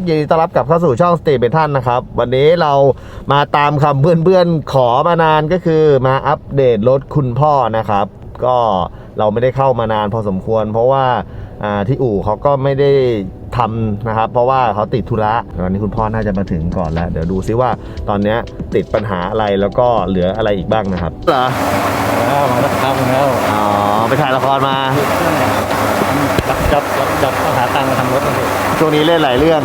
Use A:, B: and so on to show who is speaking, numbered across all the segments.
A: ยินดีต้อนรับกลับเข้าสู่ช่องสตรีทเบทันนะครับวันนี้เรามาตามคำเพื่อนๆขอมานานก็คือมาอัปเดตรถคุณพ่อนะครับก็เราไม่ได้เข้ามานานพอสมควรเพราะว่าที่อู่เขาก็ไม่ได้ทำนะครับเพราะว่าเขาติดธุระวันนี้คุณพ่อน่าจะมาถึงก่อนแล้วเดี๋ยวดูซิว่าตอนนี้ติดปัญหาอะไรแล้วก็เหลืออะไรอีกบ้างนะครับเหรอ
B: มาแล้วครับแล้ว
A: อ๋อไปถ่ายละครมา
B: จับต้องหาตังค์มาทำรถเลย
A: ช่วงนี้เล่นหลายเรื่อง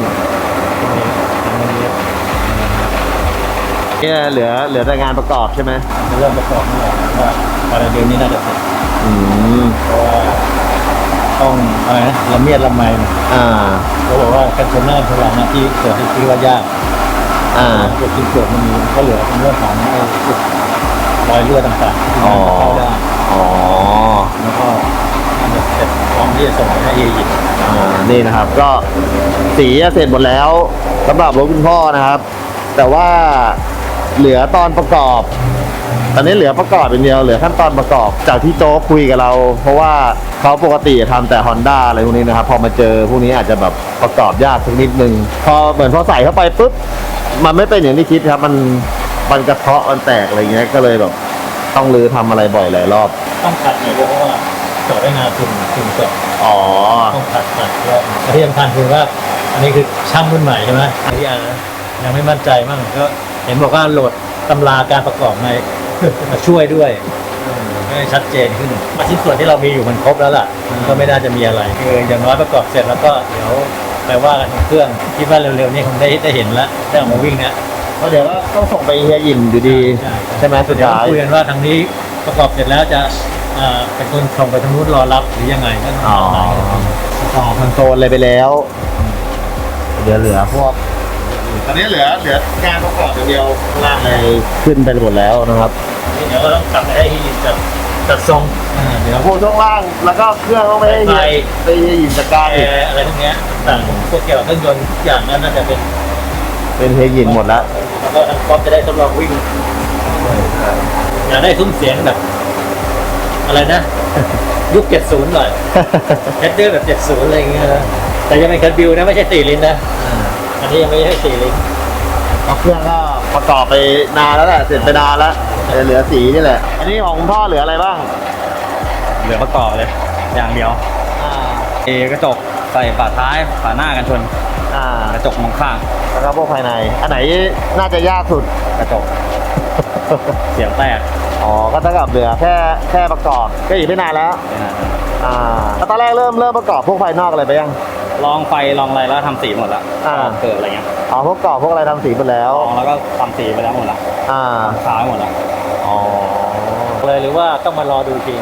A: เนี่ยเหลือแต่งานประกอบใช่ไหม
B: เริ่มประกอบนี่แหละว่าภายในเดือนนี้น่าจะเสร็จเพราะว่าต้องอะไรนะละเมียดละไมเขาบอกว่าการชนหน้าชนหลังที่เกิดที่ว่ายากเกิดที่เกิดมันมีก็เหลือเป็นเรื่องของรอยเลือดต่างๆที่เข้าได้แล้วก็เสร็จพร้อมที่จะส่งให้เอยิป
A: นี่นะครับก็สีเสร็จหมดแล้วสำหรับรถคุณพ่อนะครับแต่ว่าเหลือตอนประกอบตอนนี้เหลือประกอบเป็นเดียวเหลือขั้นตอนประกอบจากที่โจ๊กคุยกับเราเพราะว่าเขาปกติทำแต่ Honda อะไรพวกนี้นะครับพอมาเจอพวกนี้อาจจะแบบประกอบยากสักนิดนึงพอเหมือนพอใส่เข้าไปปุ๊บมันไม่เป็นอย่างที่คิดครับมันกระเทาะมันแตกอะไรเงี้ยก็เลยแบบต้องรื้อทำอะไรบ่อยหลายรอบ
B: ต้องขัดหน่อยเพราะว่าจอดได้งานคุณจอดต้องขัดแล้วที่สำคัญคือว่าอันนี้คือช่างรุ่นใหม่ใช่ไหมที่ยังไม่มั่นใจมั่งก็เห็นบอกว่าโหลดตำราการประกอบมาช่วยด้วยให้ชัดเจนขึ้นชิ้นส่วนที่เรามีอยู่มันครบแล้วล่ะก็ไม่น่าจะมีอะไรคืออย่างน้อยประกอบเสร็จแล้วก็เดี๋ยวไปว่ากันเครื่องคิดว่าเร็วๆนี้คงได้เห็นแล้วได้ออกมาวิ่งนะ
A: เพราะเดี๋ยวก็ต้องส่งไปเฮียยิมอยู่ดีใช่ไหมสุดท้าย
B: คุยกันว่าทางนี้ประกอบเสร็จแล้วจะเป็นคนส่งไปทางนู้นรอรับหรือยังไงก็
A: ต่อคอนโซลอะไรไปแล้วเหลือพวกตอนนี้เหลืองานประกอบเดียวล่างเลยขึ้นไปหมดแล้วนะครับ
B: เดี๋ยวเราต้องกลับไปให้จัดทรง
A: เดี๋ยวพวกช่วงล่างแล้วก็เครื่องต้องไปให้ยิมจัดการ
B: อะไรพวกนี้ต่างพวกเกี่ยวกับเครื่องยนต์ทุกอย่างนั้นน่าจะ
A: เป็นเฮียยิมหมดแล้ว
B: แล้วก็ทางก๊อฟจะได้ทดลองวิ่งอยากได้ซุ้มเสียงแบบอะไรนะยุค70หน่อยแคดเดอร์แบบ70อะไรอย่างเงี้ยแต่ยังเป็นแคดบิวนะไม่ใช่4 ลิ้นนะอันนี้ยังไม่ใช่4 ลิ้น
A: เครื่องก็ประกอบไปนานแล้วแหละเสร็จไปนานแล้วเหลือสีนี่แหละอันนี้ของคุณพ่อเหลืออะไรบ้าง
B: เหลือประกอบเลยอย่างเดียวกระจกใส่ฝาท้ายฝาหน้ากันชนกระจกมองข้าง
A: แล้วก็พวกภายในอันไหนน่าจะยากสุด
B: กระจกเสียงแตก
A: ก็เท่ากับเหลือแค่ประกอบก็อีกไม่นานแล้วแล้วตอนแรกเริ่มประกอบพวกภายนอกอะไรไปยัง
B: ลองไฟลองอะไรแล้วทำสีหมดแล้วเกิดอะไรเงี้ย
A: พวกกรอบพวกอะไรทำสีหมดแล้ว
B: แล้วก็ทำสีไปแล้วหมดละขายหมดแล้วเลยหรือว่าต้องมารอดูที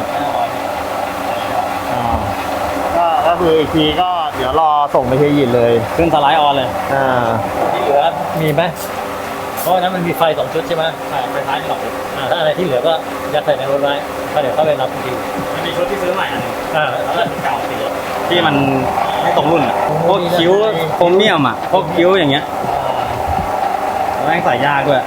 A: ก็คืออีกทีก็เดี๋ยวรอส่งไปเฮียยินเลย
B: ขึ้นสไลด์ออนเลยที่เหลือมีไหมเพราะนั้นมันมีไฟ2 ชุดใช่ไหมไฟท้ายนี่หรอกถ้าอะไรที่เหลือก็ยัดใส่ในรถไว้ก็เดี๋ยวเข้าไปรับทีมันมีชุดที่ซื้อใหม่อันนึงแล้วก็เก่าสีที่มันไม่ตรงรุ่นพวกคิ้วโครเมียมพวกคิ้วอย่างเงี้ยแม่งใส่ยากด้วย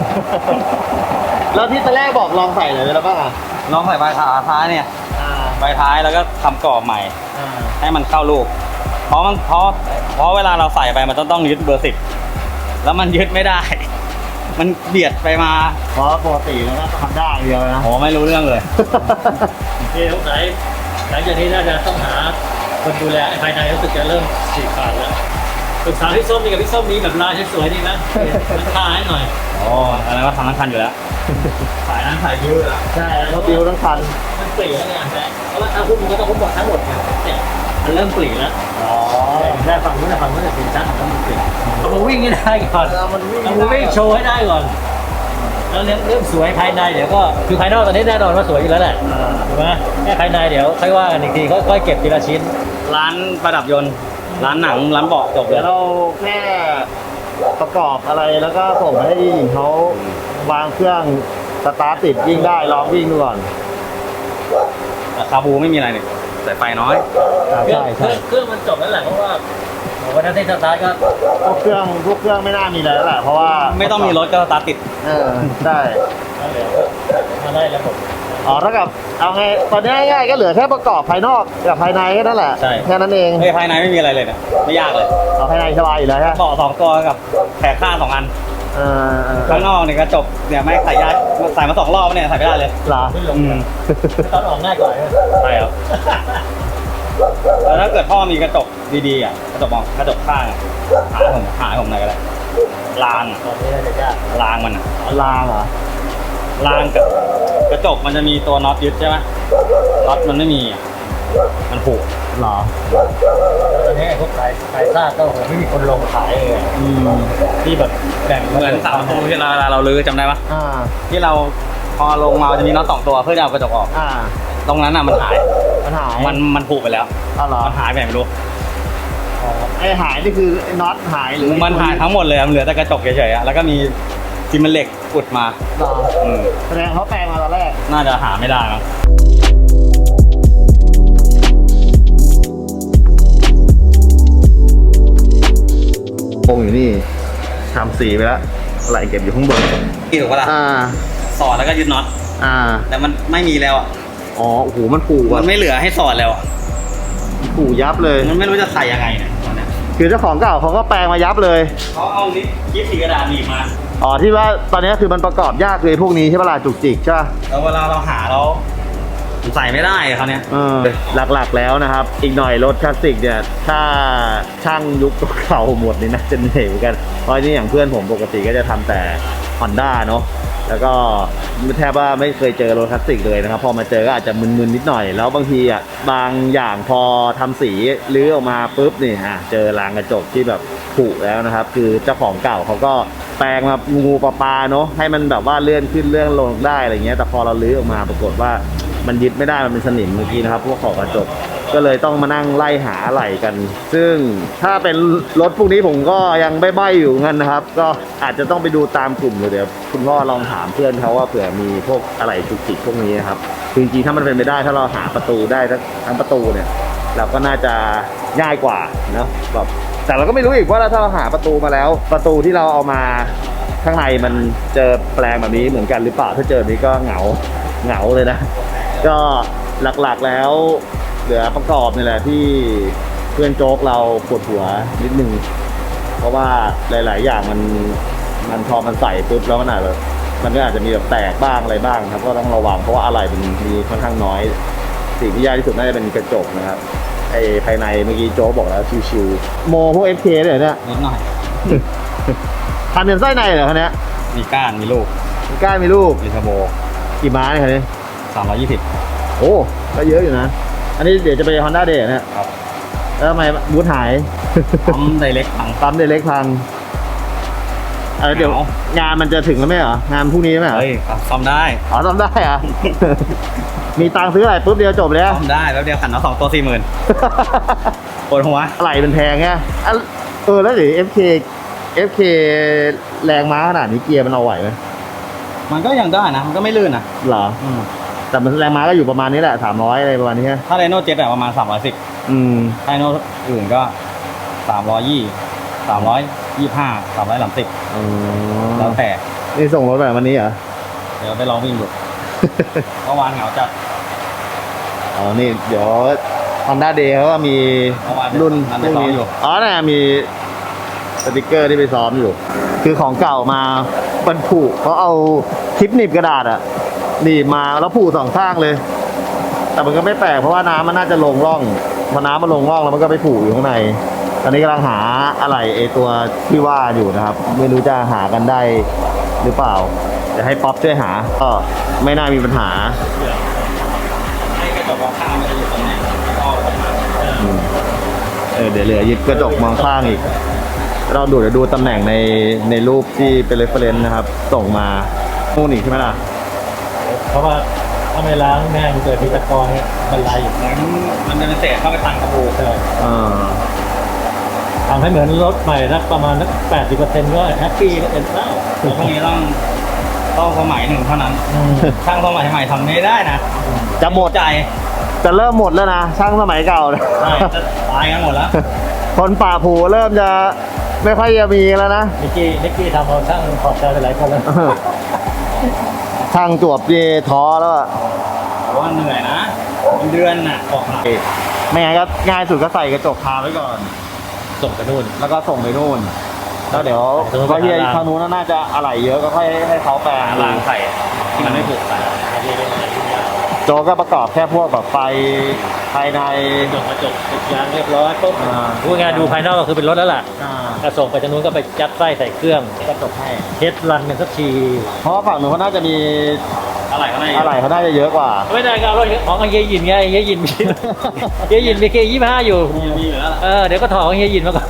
A: แล้วที่ตอนแรกบอกลองใส่เลยแล้วป่ะ
B: ลองใส่ใบท้ายเนี่ยใบท้ายแล้วก็ทำกรอบใหม่ให้มันเข้าลูกเพราะเวลาเราใส่ไปมันต้องยึดเบอร์10แล้วมันยึดไม่ได้มันเบียดไปมา
A: เพราะปกติแล้วก็ทำได้เดียวนะ
B: ไม่รู้เรื่องเลยที่สงสัยหลังจากนี้น่าจะต้องหาคนดูแลภายในรู้สึกจะเริ่มฉีกขาดแล้วปรึกษาพี่ส้มนี่กับพี่ส้มนี้แบบลายสวยๆนี่นะราคาให้หน่อยอะไรว่าทำทั้งคันอยู่แล้วขายนั้นขายบิวแล้ว
A: ใช่แล้วบิวทั้งคัน
B: มันปลีแล้วไงเพราะว่าถ้าพูดมันก็ต้องพูดหมดทั้งหมดเนี่ยมันเริ่มปลีแล้วแค่ฝั่งนู้นจะเป็นชั้นของมันปลีเอามาวิ่งให้ได้ก่อนเอามาวิ่งโชว์ให้ได้ก่อนแล้วเริ่มสวยภายในเดี๋ยวก็คือภายนอกตอนนี้แน่นอนว่าสวยอยู่แล้วแหละถูกไหมแค่ภายในเดี๋ยวค่อยว่ากันอีกทีค่อยเก็บทีละชิ้นร้านประดับยนต์ร้านหนังร้านเบาะจบ
A: แล้วเราแค่ประกอบอะไรแล้วก็ส่งให้หญิงเขาวางเครื่องสตาร์ทติดวิ่งได้ลองวิ่งดูก่อน
B: คาบูไม่มีอะไรเนี่ยแต่ไฟน้อย
A: ใช่
B: เครื่องมันจบแล้วแหละเพราะว่าวันนั้นที่สตาร์ทก็
A: พวกเครื่องไม่น่ามีอะไรแล้วแหละเพราะว่า
B: ไม่ต้องมีรถก็สตาร์ทติด
A: ได้
B: มาได้แล้วผม
A: อ๋อเท่ากับเอาไงตอนนี้ง่ายๆก็เหลือแค่ประกอบภายนอกกับภายในแค่นั้นแหละ
C: ใช่
A: แค่นั้นเอง
C: เฮ้ยภายในไม่มีอะไรเลยนะไม่ยากเลย
A: เอาภายในสบายอยู่แล้วฮะ
C: เบาะ2 ตัวกับแผงข้าง2 อันข้างนอกเนี่ยกระจกเนี่ยไม่ใส่ยากใส่มา2 รอบเนี่ยใส่ไม่ได้เลย
A: เหรอ
B: ขึ้นลง
C: อืม
B: ตอนออกง่ายกว่าเนี่ย
C: ใช่ครับแล้วถ้าเกิดพ่อมีกระจกดีๆอ่ะกระจกมองกระจกข้างอะหาให้ผมหน่อยก็ได้รางอะ
B: ตอนนี้น่าจะยาก
C: รางมันอะ
A: ลางเหรอ
C: รางกับกระจกมันจะมีตัวน็อตยึดใช่ไหมน็อตมันไม่มีอะมันผูก
A: เหรอ
B: ตอนนี้ไอ้พวกขายซากก็โหไม่มีคนลงขายเลยอะที่แบบแบ่ง
C: เหมือนเสาประตูที่เราลื้อจำได้ปะ
A: อ่า
C: ที่เราพอลงมาจะมีน็อต2 ตัวเพื่อจะเอากระจกออก
A: อ่า
C: ตรงนั้นอ่ะมันหาย
A: มันหาย
C: มันผูกไปแล้ว
A: อ๋อเหรอ
C: มันหายไปไหนไม่รู้
A: ไอหายนี่คือไอ้น็อตหายหรือ
C: มันหายทั้งหมดเลยอะมันเหลือแต่กระจกเฉยๆอะแล้วก็มีซีเมนต์เหล็กอุดมา
A: เหรอ
C: อืม
A: แสดงเขาแปลงมาตอนแรก
C: น่าจะหาไม่ได้มั้ง
A: โป่งอยู่นี่ทำสีไปแล้วไหลเก็บอยู่ข้างบน
C: ถูกปะล่ะ
A: อ่า
C: สอดแล้วก็ยึดน็อต
A: อ่า
C: แต่มันไม่มีแล้วอะ
A: อ๋อ โอ้โห มันผูก
C: มั
A: อ่ะ
C: นไม่เหลือให้สอดแล้วอะ
A: ผูกยับเลย
C: มันไม่รู้จะใส่ยังไงเนี่ยตอนเนี้ย
A: คือเจ้าของเก่าเขาก็แปลงมายับเลย
C: เขาเอานิดยิบสีกระดาษหนีบมา
A: อ๋อ ที่ว่าตอนนี้คือมันประกอบยากเลยพวกนี้ใช่ปะล่ะจุกจิกใช่ปะ
C: แล้วเวลาเราหาเราใส่ไม่ได้เขาเนี่ย
A: หลักๆแล้วนะครับ อีกหน่อยรถคลาสสิกเนี่ย ถ้าช่างยุคเก่าหมดนี่นะจะเหนื่อยเหมือนกัน เพราะนี่อย่างเพื่อนผมปกติก็จะทำแต่ Honda เนาะ แล้วก็แทบว่าไม่เคยเจอรถคลาสสิกเลยนะครับ พอมาเจอก็อาจจะมึนๆนิดหน่อย แล้วบางทีอ่ะบางอย่างพอทำสีรื้อออกมาปุ๊บนี่เจอรางกระจกที่แบบผุแล้วนะครับ คือเจ้าของเก่าเขาก็แปลงมางูปลาเนาะให้มันแบบว่าเลื่อนขึ้นเลื่อนลงได้อะไรเงี้ยแต่พอเราลื้อออกมาปรากฏว่ามันยึดไม่ได้มันเป็นสนิมเมื่อกี้นะครับพวกขอบกระจกก็เลยต้องมานั่งไล่หาอะไหล่กัน ซึ่งถ้าเป็นรถพวกนี้ผมก็ยังใบ้ๆอยู่งั้นนะครับ ก็อาจจะต้องไปดูตามกลุ่มเลยเดี๋ยวคุณพ่อลองถามเพื่อนเขาว่าเผื่อมีพวกอะไหล่จุกจิกพวกนี้นะครับคือจริงๆถ้ามันเป็นไปได้ถ้าเราหาประตูได้ทั้งประตูเนี่ยเราก็น่าจะง่ายกว่าเนาะแบบแต่เราก็ไม่รู้อีกว่าถ้าเราหาประตูมาแล้ว ประตูที่เราเอามาข้างในมันเจอแปลงแบบนี้เหมือนกันหรือเปล่าถ้าเจอแบบนี้ก็เหงาเลยนะก็หลักๆแล้วเหลือประกอบนี่แหละที่เพื่อนโจ๊กเราปวดหัวนิดนึงเพราะว่าหลายๆอย่างมันพอมันใส่ปุ๊บแล้วมันอาจจะมันก็อาจจะมีแบบแตกบ้างอะไรบ้างครับก็ต้องระวังเพราะว่าอะไรมันมีค่อนข้างน้อยสิ่งที่ยากที่สุดน่าจะเป็นกระจกนะครับไอ้ภายในเมื่อกี้โจ๊กบอกแล้วชิวๆโมพวก FK เลยเนี่ย
C: นิดหน่อย
A: ทำเป็นไส้ในเหรอคันนี้
C: มีก้านมีลูก
A: มีก้านมีลูก
C: มีเทอร์โบ
A: กี่ม้าเนี่ยคันนี้
C: 320
A: โอ้ก็เยอะอยู่นะ อันนี้เดี๋ยวจะไป Honda Day เนี่ย
C: ครับ
A: แล้วทำไมบูธหาย
C: ปั๊มไดเรกพัง
A: ปั๊มเดเล็กพังเดี๋ยว
C: เหงา
A: งานมันจะถึงแล้วไหมเหรองานพรุ่งนี้ไหมเหรอ
C: เฮ้ยซ่อมได้
A: อ๋อซ่อมได้เหรอะ มีตังค์ซื้ออะไรปุ๊บเดียวจบเลยอะ
C: ซ่อมได้แล้วเดียวขันเอา2 ตัว 40,000ปวดหัว
A: อะไรเป็นแพงไงแล้วเดี๋ยว FK แรงม้าขนาดนี้เกียร์มันเอาไหวไหม
C: มันก็ยังได้นะมันก็ไม่ลื่นนะ
A: เหรอ แต่มันแรงม้าก็อยู่ประมาณนี้แหละ300อะไรประมาณนี้ใช่ไหม
C: ถ้าไดโน่เจ็ตอะประมาณ310
A: อืม
C: ไดโน่อื่นก็320 325 330
A: อ๋อ
C: แล้วแต่
A: นี่ส่งรถแบบวันนี้เหรอ
C: เดี๋ยวไปลองวิ่งดู เมื่อวานเหงาจัด
A: อ๋อ นี่เดี๋ยว Honda Day เขาก็มี
C: เมื่อวาน
A: รุ่น
C: ไปซ้อมอยู่
A: อ๋อเนี่ยมีสติกเกอร์ที่ไปซ้อมอยู่ คือของเก่ามาบรรผูกเขาเอาคลิปหนีบกระดาษอะหนีบมาแล้วผูกสองข้างเลย แต่มันก็ไม่แปลกเพราะว่าน้ำมันน่าจะลงร่องพอน้ำมันลงร่องแล้วมันก็ไปผูกอยู่ข้างใน ตอนนี้กำลังหาอะไรตัวที่ว่าอยู่นะครับ ไม่รู้จะหากันได้หรือเปล่าจะให้ป๊อปช่วยหาก็ไม่น่ามีปัญหา
C: ให้กระจกมองข้างมันจะอยู่ตรงไหนก็ออกมา
A: เดี๋ยวเหลือยึดกระจกมองข้างอีก เราเดี๋ยวดูตำแหน่งในรูปที่เป็น reference นะครับ ส่งมานู่นอีกใช่ไหมล่ะ
B: เพราะว่าถ้าไม่ล้างแม่งเกิดมีตะกอนเนี่ยมันไหลอยู่
C: เหมือนมันจะเป็นเศษเข้าไปทันกระบู
B: ใช่
A: อ่า
B: ทำให้เหมือนรถใหม่นักประมาณนัก80%ก็แฮปปี้ก็เป็นแล้ว
C: พวกนี้ต้องสมัยหนึ่งเท่านั้น ช่างสมัยใหม่ทำไม่ได้นะ
A: จะหมด
C: ใจ
A: จะเริ่มหมดแล้วนะช่างสมัยเก่าเนี่ย
C: ใช่จะตายกันหมดแล้ว
A: คนป่าผูเริ่มจะไม่ค่อยจะมีแล้วนะ
B: นิกกี้ทำเอาช่างขอบใจไปหลายคนแล้ว
A: ช่างจวบเยท้อแล้วอะ
C: มันเหนื่อยนะเป็นเดือนน่ะออกมา
A: ไม่งั้นก็ง่ายสุดก็ใส่กระจกคาไว้ก่อน
B: ส่งไปนู่น
A: แล้วก็ส่งไปนู่นแล้วเดี๋ยว
B: ส่งไป
A: เพราะเฮีย
B: ร้าน
A: ทางนู้นน่าจะอะไหล่เยอะก็ค่อยให้เขาแปลง
C: หารางใส่ที่มันไม่ผูกใส่
A: โจก็ประกอบแค่พวกแบบไฟภายใน
B: กระจกยางเรียบร้อยปุ๊บพูดง่ายๆดูภายนอกก็คือเป็นรถแล้วล่ะถ้าส่งไปทางนู้นก็ไปยัดไส้ใส่เครื่อง
A: กระจกให้
B: เทสรันกันสักที
A: เพราะว่าฝั่งนู้นเขาน่าจะมี
C: อะไรก็ได้
A: อะไหล่เขาน่าจะเยอะกว่า
B: ไม่ได้ก็เอารถของเฮียยินไงเฮียยินมีเฮียยินมีเค25อยู่
C: มีอยู่แล้วล่ะ
B: เดี๋ยวก็ถอดของเฮียยินมาก่อน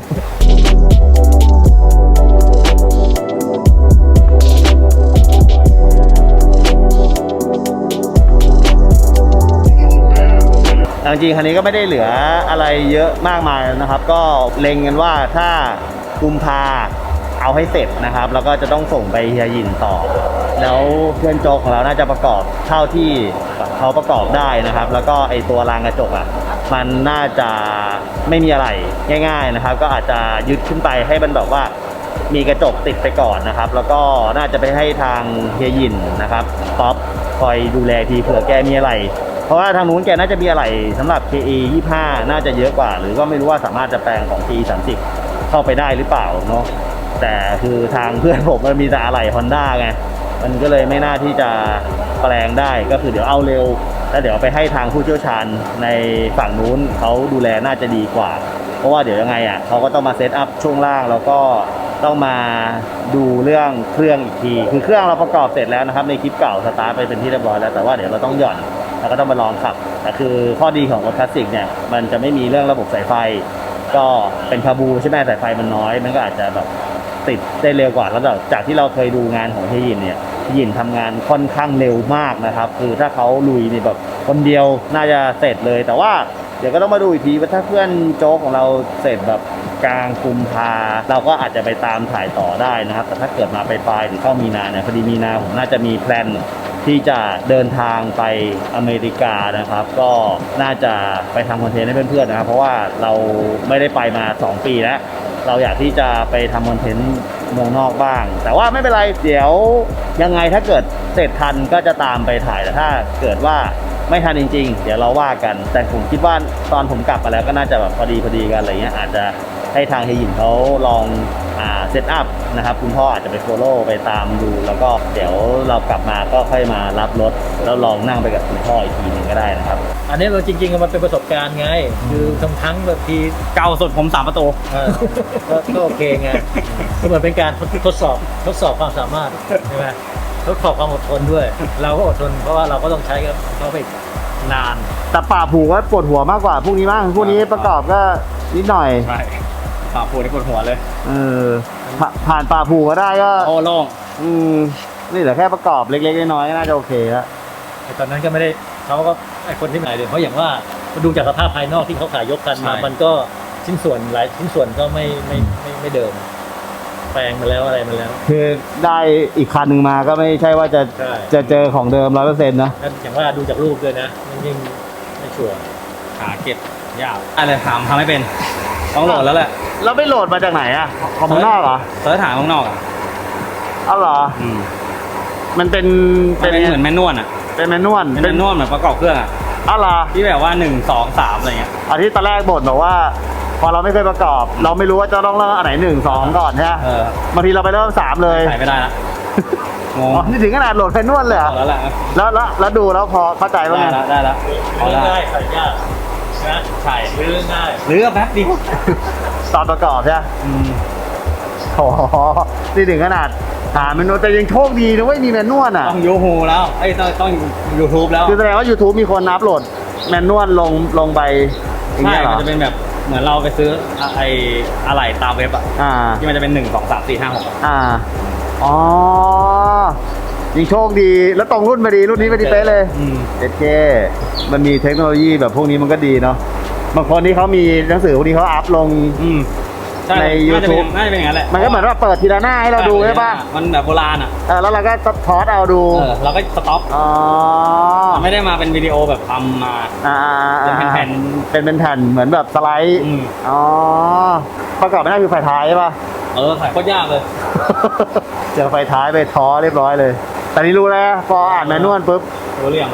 A: จริงๆคันนี้ก็ไม่ได้เหลืออะไรเยอะมากมายนะครับ ก็เล็งกันว่าถ้ากุมภาเอาให้เสร็จนะครับ แล้วก็จะต้องส่งไปเฮียหยินต่อ แล้วเพื่อนโจกของเราน่าจะประกอบเท่าที่เขาประกอบได้นะครับ แล้วก็ไอตัวรางกระจกอ่ะมันน่าจะไม่มีอะไรง่าย ๆนะครับ ก็อาจจะยึดขึ้นไปให้มันแบบว่ามีกระจกติดไปก่อนนะครับ แล้วก็น่าจะไปให้ทางเฮียหยินนะครับป๊อปคอยดูแลทีเผื่อแกมีอะไร เพราะว่าทางนู้นแกน่าจะมีอะไรสำหรับ KE 25น่าจะเยอะกว่า หรือว่าไม่รู้ว่าสามารถจะแปลงของ KE 30เข้าไปได้หรือเปล่าเนาะแต่คือทางเพื่อนผมมันมีแต่อะไร Honda ไงมันก็เลยไม่น่าที่จะแปลงได้ก็คือเดี๋ยวเอาเร็วแล้วเดี๋ยวไปให้ทางผู้เชี่ยวชาญในฝั่งนู้นเขาดูแลน่าจะดีกว่า เพราะว่าเดี๋ยวยังไงอ่ะเขาก็ต้องมาเซตอัพช่วงล่างแล้วก็ต้องมาดูเรื่องเครื่องอีกทีคือเครื่องเราประกอบเสร็จแล้วนะครับในคลิปเก่าสตาร์ทไปเป็นที่เรียบร้อยแล้วแต่ว่าเดี๋ยวเราต้องหย่อนแล้วก็ต้องมาลองขับแต่คือข้อดีของรถคลาสสิกเนี่ยมันจะไม่มีเรื่องระบบสายไฟก็เป็นคาบูใช่ไหมสายไฟมันน้อยมันก็อาจจะแบบติดได้เร็วกว่าแล้วจากที่เราเคยดูงานของเฮียหยินเนี่ยเฮียหยินทำงานค่อนข้างเร็วมากนะครับคือถ้าเขาลุยนี่แบบคนเดียวน่าจะเสร็จเลยแต่ว่าเดี๋ยวก็ต้องมาดูอีกทีว่าถ้าเพื่อนโจ๊กของเราเสร็จแบบกลางกุมภาเราก็อาจจะไปตามถ่ายต่อได้นะครับแต่ถ้าเกิดมาปลายหรือเข้ามีนาเนี่ยพอดีมีนาผมน่าจะมีแพลนที่จะเดินทางไปอเมริกานะครับก็น่าจะไปทำคอนเทนต์ให้เพื่อนๆนะครับเพราะว่าเราไม่ได้ไปมา2 ปีแล้วเราอยากที่จะไปทำคอนเทนต์เมืองนอกบ้างแต่ว่าไม่เป็นไรเดี๋ยวยังไงถ้าเกิดเสร็จทันก็จะตามไปถ่ายแต่ถ้าเกิดว่าไม่ทันจริงๆเดี๋ยวเราว่ากันแต่ผมคิดว่าตอนผมกลับมาแล้วก็น่าจะแบบพอดีกันอะไรเงี้ยอาจจะให้ทางเฮียหยินเขาลองเซตอัพนะครับคุณพ่ออาจจะไปโฟลโล่ไปตามดูแล้วก็เดี๋ยวเรากลับมาก็ค่อยมารับรถแล้วลองนั่งไปกับคุณพ่ออีกทีหนึ่งก็ได้นะครับ
B: อันนี้เราจริงๆมันเป็นประสบการณ์ไงคือทั้งแบบที
C: เก่าสุดผม3 ประตู
B: ก็โอเคไงก็เหมือนเป็นการทดสอบความสามารถใช่ไหมทดสอบความอดทนด้วย เราก็อดทนเพราะว่าเราก็ต้องใช้กับเขาไปนาน
A: แต่ป่าผูก็ปวดหัวมากกว่าพวกนี้มั้งพวกนี้ประกอบก็นิดหน่อย
C: ใช่ปากปวดที่ปวดหัวเลย
A: ผ่านป่าผูก็ได้ก็
C: โอ้โล่ง
A: นี่เหลือแค่ประกอบเล็กๆน้อยๆก็น่าจะโอเคแล้ว
B: ไอ้ตอนนั้นก็ไม่ได้เขาก็ไอ้คนที่ไหนเลยเพราะอย่างว่าดูจากสภาพภายนอกที่เขาขายยกกันมามันก็ชิ้นส่วนหลายชิ้นส่วนก็ไม่เดิมแปลงมาแล้วอะไรมาแล้ว
A: คือได้อีกคันหนึ่งมาก็ไม่ใช่ว่าจะ
B: ใช่
A: จะเจอของเดิม 100%นะ
B: นั่นอย่างว่าดูจากรูปด้วยนะมันยิ่งไม่ชัวร์
C: หาเก็บยากอะไรทำไม่เป็นต้องโหลดแล้วแหละ
A: แล้วไปโหลดมาจากไหนอะของเมืองนอกเหรอ
C: เสิร์ชหาข้างนอกอ่ะ
A: อ้าวเหรอ มันเป็น
C: มันเป็นเหมือนแมนนวลอ่ะ
A: เป็นแมนนวล
C: เป็นแมนนวลเหมือนประกอบเครื่องอ่ะ
A: อ้าวเหรอ
C: ที่แบบว่า1 2 3อะไรเงี้ย
A: อาทิตย์ตอนแรกบ่นบอกว่า พอเราไม่เคยประกอบ เราไม่รู้ว่าจะต้องเริ่มอันไหน1 2ก่อนใช่ไหมบางทีเราไปเริ่ม3เลย
C: ใส่ไม่ได้ละงง
A: อ๋อนี่ถึงขนาดโหลดแมนนวลเลยเหรอ
C: แล้วแหละ
A: แล้วดูแล้วพอเข้าใจว่าไง
C: ได้ละ
B: เรื่องง่ายใส่ยากนะ
C: ใช่
B: เรื่องง่าย
C: หรือแป๊บเดียว
A: ตอนประกอบใช่ไหมโอ้โหนี่ถึงขนาดหาเมนูแต่ยังโชคดีนะเว้ยมีแมนนวลอ่ะ
C: ต้องยูฮูแล้วไอ้ต้องยูทูบแล้ว
A: คือแสดงว่า YouTube มีคนอัพโหลดแมนนวลลงไปอย่าง
C: ใช่
A: เงี้ยเหร
C: มัน
A: อ
C: จะเป็นแบบเหมือนเราไปซื้อไอ้อะไรตามเว็บอ่ะ
A: อ่า
C: ที่มันจะเป็น1 2 3 4 5 6
A: อ่า อ๋อยังโชคดีแล้วตรงรุ่นพอดีรุ่นนี้พอดีเป๊ะเลยเจ็ดเคมันมีเทคโนโลยีแบบพวกนี้มันก็ดีเนาะบางคนที่เขามีหนังสือพวกนี้เขาอัพลง
C: ใช่
A: ใน YouTube
C: น่าจะเป็นอย่างนั้นแหละ
A: มันก็เหมือนว่าเปิดทีละหน้าให้เราดูใช่ปะ
C: มันแบบโบราณอ่ะ
A: แล้วเราก็ทอสเอาดู
C: เราก็สต็อป
A: อ๋อ
C: ไม่ได้มาเป็นวิดีโอแบบทำมา เป็นแผ่น
A: เป็นแผ่นเหมือนแบบสไลด์อ๋อประกอบไม่ได้คือไฟท้ายใช่ปะ
C: ขายโคตรยากเลย
A: เจอไฟท้ายไปท้อเรียบร้อยเลย แต่นี่รู้แล้วพออ่านแมนนวลปุ๊บ
C: รู้เรื่องแล้ว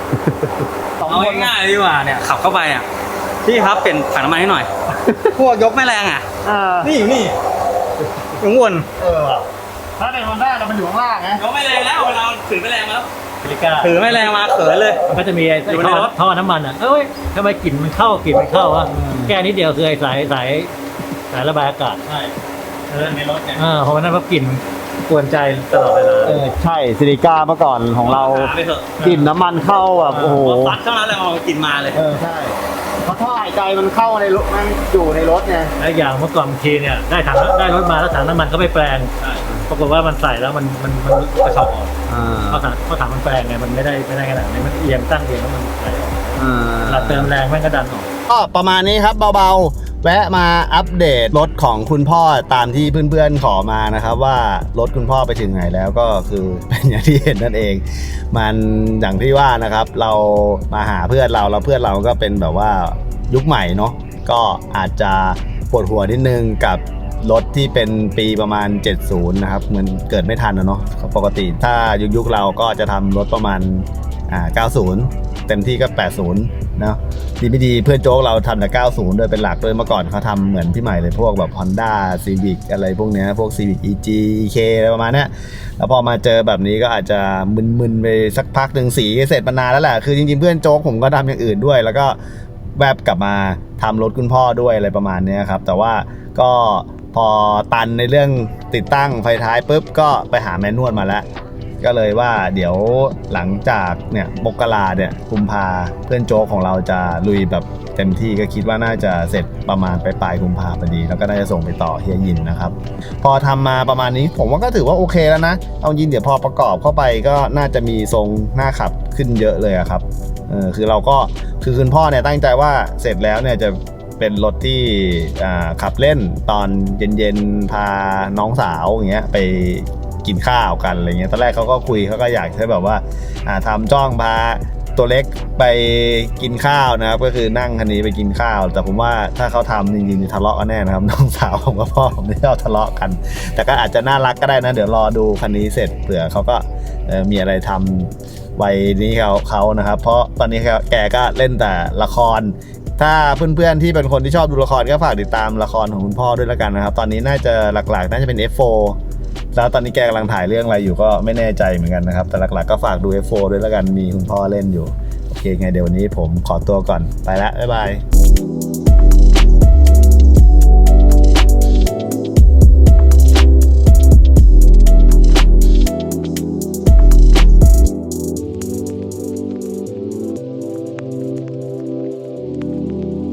C: เอาง่ายๆดีกว่าเนี่ยขับเข้าไปอ่ะพี่ครับเปลี่ยนถังน้ำมันให้หน่อย พวกยกแม่แรงอ่ะนี่อยู่นี่อยู่วน
A: ถ้าในฮอนด้าเรามันอยู่ข้างล่างไง
C: ยกแม่แรงแล้วเวลาถือแม่แรงมาแล้ว
B: พิลิก้า
C: ถือแม่แรงมาเขินเลย
B: มันก็จะมีไอ้
C: อยู่ใน
B: ท่อ
C: รถ
B: ท่อน้ำมันอ่ะเอ้ยทำไมกลิ่นมันเข้ากลิ่นมันเข้าวะแก้นิดเดียวคือไอ้สายระบายอากาศ
C: ใช่ในรถไง
B: เพราะว่านั้นเพราะกลิ่นกวนใจตลอดเวลา
A: ใช่ซิลิก้าเมื่อก่อนของเรา
C: หไปเถอะ
A: กลิ่นน้ำมันเข้าแบบโอ้โห
C: ซัดเท่านั้นแหละเอากินมาเลย
A: ใช่เพราะท่อหายใจมันเข้าในรถมันอยู่ในรถไง
B: และอย่างเมื่อก่อนบางทีเนี่ยได้รถมาแล้วถังน้ำมันก็ไม่แปลง
C: ใช่
B: ปรากฏว่ามันใส่แล้วมันกระชอกออกเพราะถังมันแปลงไงมันไม่ได้ขนาดนี้มันเอียงตั้งเอียงแล้วมันไหลออกหลักเติมแรงแม่งก็ดันออก
A: ก็ประมาณนี้ครับเบาๆแวะมาอัปเดตรถของคุณพ่อตามที่เพื่อนๆขอมานะครับว่ารถคุณพ่อไปถึงไหนแล้วก็คือเป็นอย่างที่เห็นนั่นเอง มันอย่างที่ว่านะครับเรามาหาเพื่อนเราแล้วเพื่อนเราก็เป็นแบบว่ายุคใหม่เนาะก็อาจจะปวดหัวนิดนึงกับรถที่เป็นปีประมาณ 70 นะครับเหมือนเกิดไม่ทันนะเนาะปกติถ้ายุคเราก็จะทำรถประมาณ90 เต็มที่ก็ 80 เนาะดีไม่ดีเพื่อนโจ๊กเราทำแต่ 90 โดยเป็นหลักโดยเมื่อก่อนเขาทำเหมือนพี่ใหม่เลยพวกแบบ Honda Civic อะไรพวกเนี้ยพวก Civic EG EK อะไรประมาณเนี้ยแล้วพอมาเจอแบบนี้ก็อาจจะมึนๆไปสักพักหนึ่งสีเสร็จมานานแล้วแหละคือจริงๆเพื่อนโจ๊กผมก็ทำอย่างอื่นด้วยแล้วก็แวบกลับมาทำรถคุณพ่อด้วยอะไรประมาณเนี้ยครับแต่ว่าก็พอตันในเรื่องติดตั้งไฟท้ายปุ๊บก็ไปหาแมนนวลมาแล้วก็เลยว่าเดี๋ยวหลังจากเนี่ยมกราเนี่ยกุมภาเพื่อนโจ๊กของเราจะลุยแบบเต็มที่ก็คิดว่าน่าจะเสร็จประมาณปลายกุมภาพอดีแล้วก็น่าจะส่งไปต่อเฮียยินนะครับพอทำมาประมาณนี้ผมว่าก็ถือว่าโอเคแล้วนะเอายินเดี๋ยวพอประกอบเข้าไปก็น่าจะมีทรงหน้าขับขึ้นเยอะเลยครับคือเราก็คือคุณพ่อเนี่ยตั้งใจว่าเสร็จแล้วเนี่ยจะเป็นรถที่ขับเล่นตอนเย็นๆพาน้องสาวอย่างเงี้ยไปกินข้าวกันอะไรเงี้ยตอนแรกเขาก็คุยเขาก็อยากให้แบบว่าทำจ้องพาตัวเล็กไปกินข้าวนะครับก็คือนั่งคันนี้ไปกินข้าวแต่ผมว่าถ้าเขาทำจริงๆทะเลาะกันแน่นะครับน้องสาวผมกับพ่อผมไม่ชอบทะเลาะกันแต่ก็อาจจะน่ารักก็ได้นะเดี๋ยวรอดูคันนี้เสร็จเผื่อเขาก็มีอะไรทำวัยนี้เขานะครับเพราะตอนนี้แกก็เล่นแต่ละครถ้าเพื่อนๆที่เป็นคนที่ชอบดูละครก็ฝากติดตามละครของคุณพ่อด้วยแล้วกันนะครับตอนนี้น่าจะหลักๆน่าจะเป็น F4 แล้วตอนนี้แกกำลังถ่ายเรื่องอะไรอยู่ก็ไม่แน่ใจเหมือนกันนะครับแต่หลักๆก็ฝากดู F4 ด้วยแล้วกันมีคุณพ่อเล่นอยู่โอเคไงเดี๋ยววันนี้ผมขอตัวก่อนไปแล้วบ๊ายบาย